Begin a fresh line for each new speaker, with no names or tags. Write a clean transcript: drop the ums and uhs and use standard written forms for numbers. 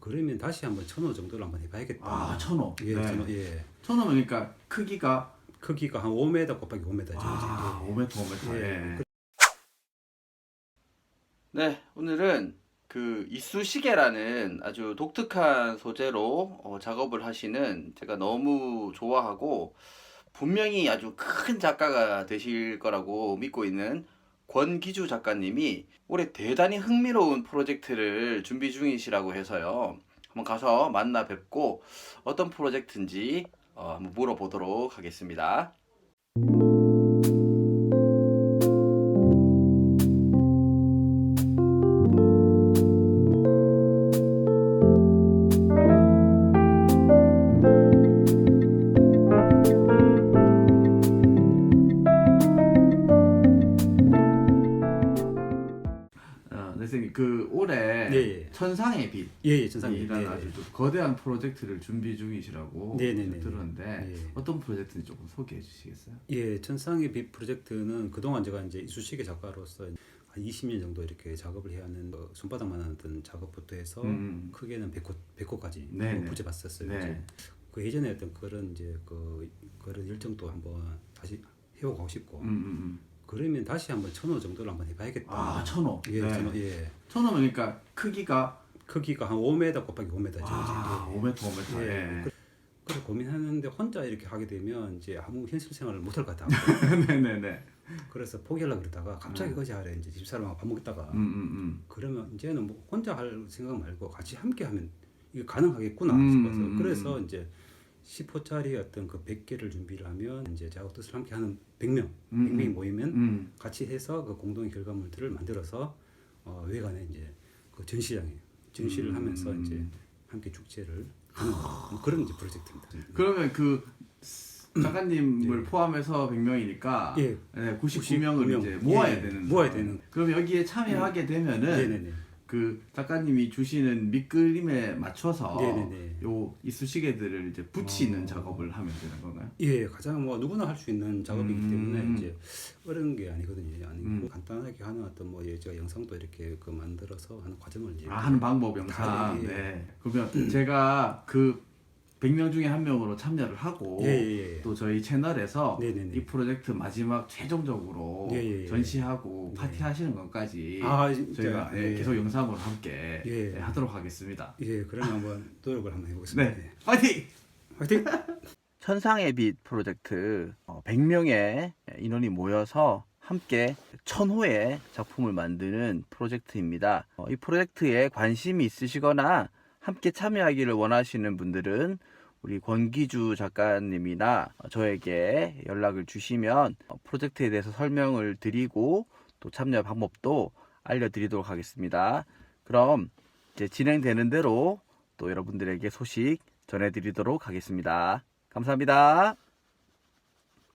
그러면 다시 한번 1,000호 정도를 한번 해봐야겠다.
아, 1,000호.
예,
네.
1,000호. 예.
1,000호면 그러니까 크기가
한 5m 곱하기 5m죠.
아, 5m, 5m.
예.
예. 네, 오늘은 그 이쑤시개라는 아주 독특한 소재로 작업을 하시는, 제가 너무 좋아하고 분명히 아주 큰 작가가 되실 거라고 믿고 있는 권기주 작가님이 올해 대단히 흥미로운 프로젝트를 준비 중이시라고 해서요. 한번 가서 만나 뵙고 어떤 프로젝트인지 한번 물어보도록 하겠습니다. 네, 선생님, 그 올해
예.
천상의 빛
예, 천상의
이라는
빛.
아주 좀 거대한 프로젝트를 준비 중이시라고
네네네.
들었는데
예.
어떤 프로젝트인지 조금 소개해 주시겠어요?
예, 천상의 빛 프로젝트는 그동안 제가 이제 이쑤시개 작가로서 한 20년 정도 이렇게 작업을 해야 하는 손바닥만 하던 작업부터 해서 크게는 100호까지
네네.
붙여봤었어요.
네.
이제 그 예전에 했던 그런 이제 그런 열정도 한번 다시 해보고 싶고 그러면 다시 한번 1,000호 정도를 한번 해봐야겠다.
아, 1,000호.
예,
네.
1,000호. 예.
1,000호면 그러니까 크기가
한 5m 곱하기 5m죠.
아, 5m, 5m.
예.
예.
그래 고민하는데 혼자 이렇게 하게 되면 이제 아무 현실 생활을 못할 것 같아.
네네네.
그래서 포기하려고 그러다가 갑자기 어제하래 이제 집사람하고 밥 먹다가 그러면 이제는 뭐 혼자 할 생각 말고 같이 함께 하면 이게 가능하겠구나 싶어서 그래서 이제 10호짜리 어떤 그 100개를 준비를 하면 이제 저하고 뜻을 함께 하는 100명이 모이면 같이 해서 그 공동의 결과물들을 만들어서 외관에 이제 그 전시를 하면서 이제 함께 축제를 하는 뭐 그런 이제 프로젝트입니다.
그러면 그 작가님을 포함해서 100명이니까
예.
네, 99명을 이제 모아야 되는.
모아야 되는.
그럼 여기에 참여하게 되면은
네네네.
그 작가님이 주시는 밑그림에 맞춰서
네네네.
요 이쑤시개들을 이제 붙이는 작업을 하면 되는 건가요?
예, 가장 뭐 누구나 할 수 있는 작업이기 때문에 이제 어려운 게 아니거든요. 아니고 간단하게 하는 어떤 뭐 제가 영상도 이렇게 그 만들어서 하는 과정을 이제
하는 방법 영상.
예.
네. 그러면 제가 그 100명 중에 한 명으로 참여를 하고
예.
또 저희 채널에서
네네네.
이 프로젝트 마지막 최종적으로
예.
전시하고 파티하시는 것까지
진짜,
저희가 계속 영상으로 함께
예.
하도록 하겠습니다.
예, 그러면 한번 노력을 한번 해보겠습니다.
네, 파이팅!
화이팅!
천상의 빛 프로젝트 100명의 인원이 모여서 함께 1,000호의 작품을 만드는 프로젝트입니다. 이 프로젝트에 관심이 있으시거나 함께 참여하기를 원하시는 분들은 우리 권기주 작가님이나 저에게 연락을 주시면 프로젝트에 대해서 설명을 드리고 또 참여 방법도 알려드리도록 하겠습니다. 그럼 이제 진행되는 대로 또 여러분들에게 소식 전해드리도록 하겠습니다. 감사합니다.